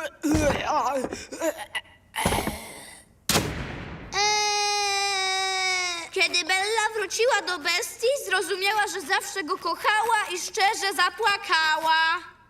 Kiedy Bella wróciła do bestii, zrozumiała, że zawsze go kochała i szczerze zapłakała.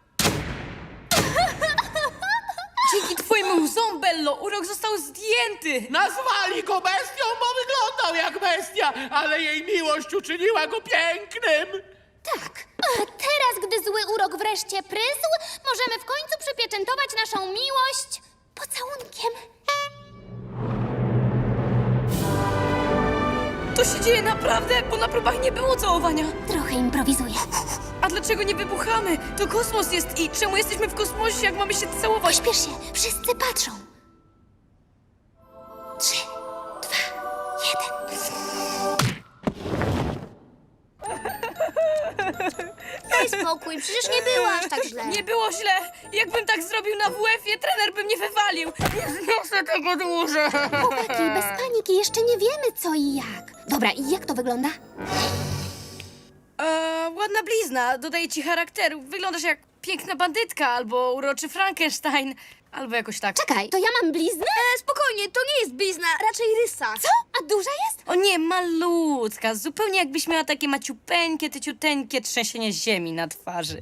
Dzięki twojemu łzom, Bello, urok został zdjęty! Nazwali go bestią, bo wyglądał jak bestia, ale jej miłość uczyniła go pięknym. Tak. A teraz, gdy zły urok wreszcie prysł, możemy w końcu przypieczętować naszą miłość pocałunkiem. To się dzieje naprawdę, bo na próbach nie było całowania. Trochę improwizuję. A dlaczego nie wybuchamy? To kosmos jest i czemu jesteśmy w kosmosie, jak mamy się całować? Pośpiesz się, wszyscy patrzą. 3, 2, 1. Daj spokój, przecież nie było aż tak źle. Nie było źle. Jakbym tak zrobił na WF-ie, trener by mnie wywalił. Nie zniosę tego dłużej. Chłopaki, bez paniki, jeszcze nie wiemy co i jak. Dobra, i jak to wygląda? Ładna blizna, dodaje ci charakteru. Wyglądasz jak piękna bandytka, albo uroczy Frankenstein, albo jakoś tak. Czekaj, to ja mam bliznę? Spokojnie, to nie jest blizna, raczej rysa. Co? A duża jest? O nie, malutka, zupełnie jakbyś miała takie maciupeńkie, tyciuteńkie trzęsienie ziemi na twarzy.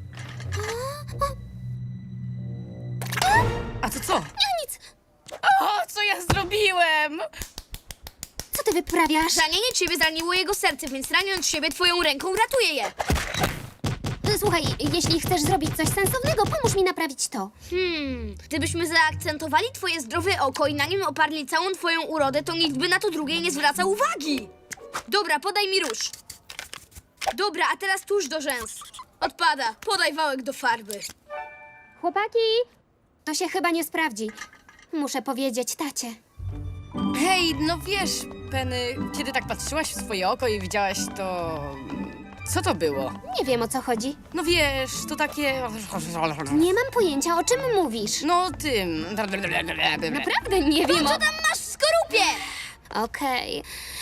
A to co? Nic. O, co ja zrobiłem? Co ty wyprawiasz? Ranienie ciebie zraniło jego serce, więc raniąc siebie twoją ręką ratuje je. Słuchaj, jeśli chcesz zrobić coś sensownego, pomóż mi naprawić to. Gdybyśmy zaakcentowali twoje zdrowe oko i na nim oparli całą twoją urodę, to nikt by na to drugie nie zwracał uwagi. Dobra, podaj mi róż. Dobra, a teraz tuż do rzęs. Odpada, podaj wałek do farby. Chłopaki, to się chyba nie sprawdzi. Muszę powiedzieć tacie. Hej, no wiesz, Penny, kiedy tak patrzyłaś w swoje oko i widziałaś to... Co to było? Nie wiem, o co chodzi. No wiesz, to takie... Nie mam pojęcia, o czym mówisz. No tym... Naprawdę nie wiem o... Co tam masz w skorupie? Okej.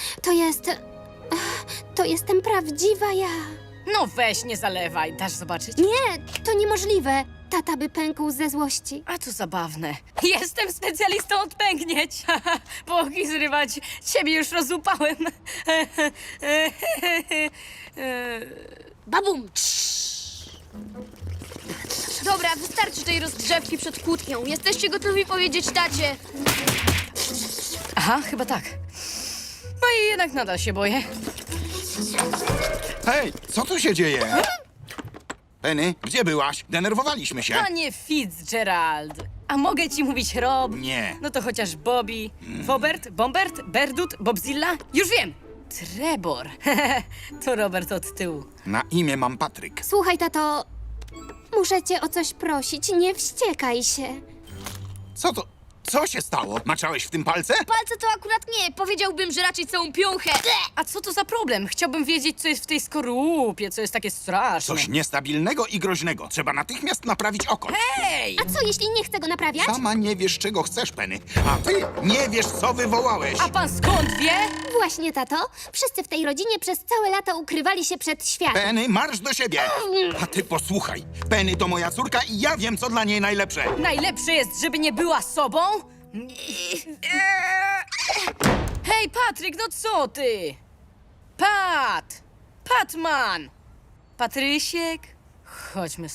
To jestem prawdziwa ja. No weź, nie zalewaj, dasz zobaczyć? Nie, to niemożliwe. Tata by pękł ze złości. A to zabawne. Jestem specjalistą od pęknięć. Bogi zrywać, ciebie już rozłupałem. Babum! Dobra, wystarczy tej rozgrzewki przed kłótnią. Jesteście gotowi powiedzieć tacie? Aha, chyba tak. No i jednak nadal się boję. Hej, co tu się dzieje? Penny, gdzie byłaś? Denerwowaliśmy się. Panie Fitzgerald, a mogę ci mówić Rob? Nie. No to chociaż Bobby, Fobert, Bombert, Berdut, Bobzilla? Już wiem! Trebor. To Robert od tyłu. Na imię mam Patryk. Słuchaj, tato, muszę cię o coś prosić. Nie wściekaj się. Co to? Co się stało? Maczałeś w tym palce? Palce to akurat nie, powiedziałbym, że raczej całą piąchę. A co to za problem? Chciałbym wiedzieć, co jest w tej skorupie, co jest takie straszne. Coś niestabilnego i groźnego. Trzeba natychmiast naprawić oko. Hej! A co, jeśli nie chcę go naprawiać? Sama nie wiesz, czego chcesz, Penny. A ty nie wiesz, co wywołałeś. A pan skąd wie? Właśnie, tato. Wszyscy w tej rodzinie przez całe lata ukrywali się przed światem. Penny, marsz do siebie. A ty posłuchaj. Penny to moja córka i ja wiem, co dla niej najlepsze. Najlepsze jest, żeby nie była sobą? Hej, Patryk, no co ty? Patman! Patrysiek? Chodźmy